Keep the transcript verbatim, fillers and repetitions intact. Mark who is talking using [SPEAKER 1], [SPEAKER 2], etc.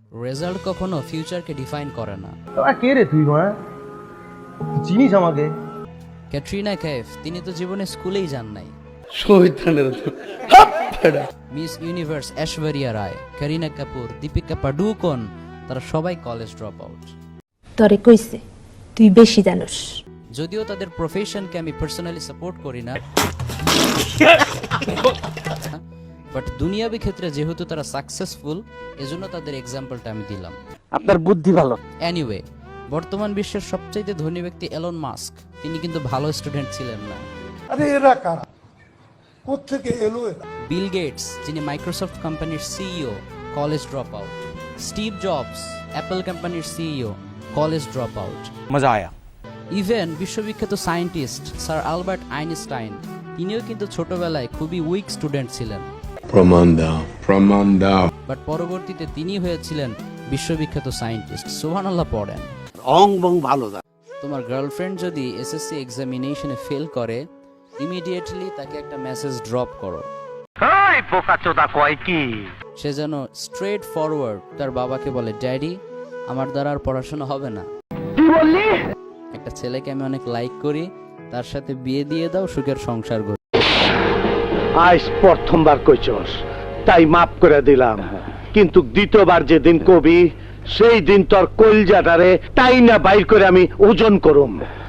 [SPEAKER 1] Result কখনো ফিউচারকে define করে না।
[SPEAKER 2] তোরা কে রে তুই মা? চিনিস আমাকে?
[SPEAKER 1] ক্যাটরিনা কাইফ তিনি তো জীবনে স্কুলেই যান নাই।
[SPEAKER 3] শয়তানের
[SPEAKER 1] মিস ইউনিভার্স ঐশ্বরিয়া রায়, করিনা কাপুর, দীপিকা পাডুকোন তারা সবাই কলেজ ড্রপ আউট।
[SPEAKER 4] তরে কইছে তুই বেশি জানোস।
[SPEAKER 1] যদিও তাদের প্রফেশনকে আমি পার্সোনালি সাপোর্ট করি না, বাট দুনিয়াবি ক্ষেত্রে যেহেতু তারা সাকসেসফুল এজন্য তাদের এক্সাম্পলটা আমি দিলাম।
[SPEAKER 3] আপনার বুদ্ধি ভালো।
[SPEAKER 1] এনিওয়ে, বর্তমান বিশ্বের সবচাইতে ধনী ব্যক্তি এলন মাস্ক তিনি কিন্তু ভালো স্টুডেন্ট ছিলেন না।
[SPEAKER 5] আরে এরা কারা, কোত্থেকে এলো এরা?
[SPEAKER 1] বিল গেটস যিনি মাইক্রোসফট কোম্পানির CEO, college drop out. Steve Jobs Apple কোম্পানির সিইও, কলেজ ড্রপ আউট।
[SPEAKER 3] মজা আয়া।
[SPEAKER 1] ইভেন বিশ্ববিখ্যাত সায়েন্টিস্ট স্যার আলবার্ট আইনস্টাইন তিনিও কিন্তু ছোটবেলায় খুবই উইক স্টুডেন্ট ছিলেন,
[SPEAKER 6] প্রমাণ দাও, প্রমাণ দাও।
[SPEAKER 1] বাট পরবর্তীতে তিনি হয়েছিলেন বিশ্ববিখ্যাত সায়েন্টিস্ট। সুবহানাল্লাহ পড়েন।
[SPEAKER 3] অং বং ভালো দা।
[SPEAKER 1] তোমার গার্লফ্রেন্ড যদি এসএসসি এক্সামিনেশনে ফেল করে, ইমিডিয়েটলি তাকে একটা মেসেজ ড্রপ করো।
[SPEAKER 7] এই বোকাচোদা কয় কি?
[SPEAKER 1] সে যেন স্ট্রেট ফরওয়ার্ড তার বাবাকে বলে, ড্যাডি আমার দ্বারা আর পড়াশোনা হবে না।
[SPEAKER 7] কি বললি?
[SPEAKER 1] একটা ছেলেকে আমি অনেক লাইক করি, তার সাথে বিয়ে দিয়ে দাও, সুখের সংসার গড়ি।
[SPEAKER 8] আজ প্রথমবার কইছস তাই মাফ করে দিলাম, কিন্তু দ্বিতীয়বার যেদিন কবি সেই দিন তোর কলজাটারে তাই না বাইর করে আমি ওজন করুম।